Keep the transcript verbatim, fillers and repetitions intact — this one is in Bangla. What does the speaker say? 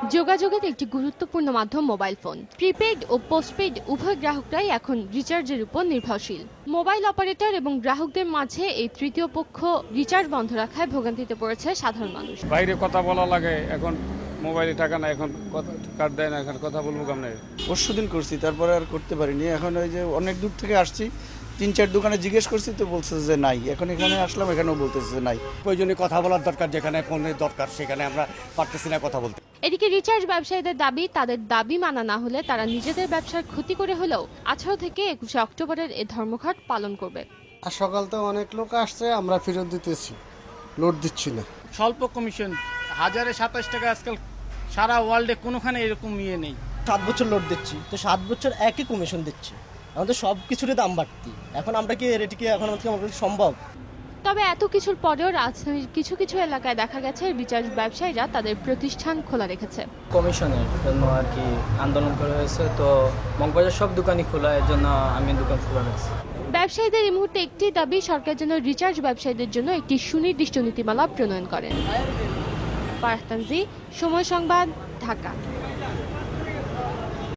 যোগাযোগের একটি গুরুত্বপূর্ণ মাধ্যম মোবাইল ফোন। প্রিপেইড ও পোস্টপেইড উভয় গ্রাহকরাই এখন রিচার্জের উপর নির্ভরশীল। মোবাইল অপারেটর এবং গ্রাহকদের মাঝে এই তৃতীয় পক্ষ রিচার্জ বন্ধ রাখায় ভোগান্তিতে পড়েছে সাধারণ মানুষ। বাইরে কথা বলা লাগে, এখন মোবাইলে টাকা না, এখন কার্ড দেয় না, এখন কথা বলবো কেমনে? পরশু দিন করছি, তারপরে আর করতে পারিনি। এখন ওই যে অনেক দূর থেকে আসছি, তিন চার দোকানে জিজ্ঞেস করছি তো বলছে যে নাই। এখন এখানে আসলাম, এখানেও বলতেছে যে নাই। প্রয়োজনে কথা বলার দরকার, যেখানে ফোনের দরকার সেখানে আমরা পারতেছি না কথা বলতে। এদিকে রিচার্জ ব্যবসায়ীদের দাবি, তাদের দাবি মানা না হলে তারা নিজেদের ব্যবসার ক্ষতি করে হলেও আঠারো থেকে একুশে অক্টোবরের এই ধর্মঘট পালন করবে। আর সকাল তো অনেক লোক আসছে, আমরা ফেরত দিতেছি, লোড দিচ্ছি না। স্বল্প কমিশন হাজারে সাতাশ টাকা, আজকাল সারা ওয়ার্ল্ডে কোনোখানে এরকম ইয়ে নেই। সাত বছর লোড দিচ্ছি, তো সাত বছর একই কমিশন দিচ্ছি, আমাদের সব কিছুরই দাম বাড়তি। এখন আমরা কি এটিকে এখন আমাদের সম্ভব? তবে এত কিছুর পরেও রাজধানীর কিছু কিছু এলাকায় দেখা গেছে রিচার্জ ব্যবসায়ীরা তাদের প্রতিষ্ঠান খোলা রেখেছে। কমিশনের জন্য আর কি আন্দোলন করা হয়েছে, তো মগবাজার সব দোকানই খোলা, এর জন্য আমি দোকান খোলা রেখেছি। ব্যবসায়ীদের এই মুহূর্তে একটি দাবি, সরকার যেন রিচার্জ ব্যবসায়ীদের জন্য একটি সুনির্দিষ্ট নীতিমালা প্রণয়ন করেন। ফারহান তানজি, সময় সংবাদ, ঢাকা।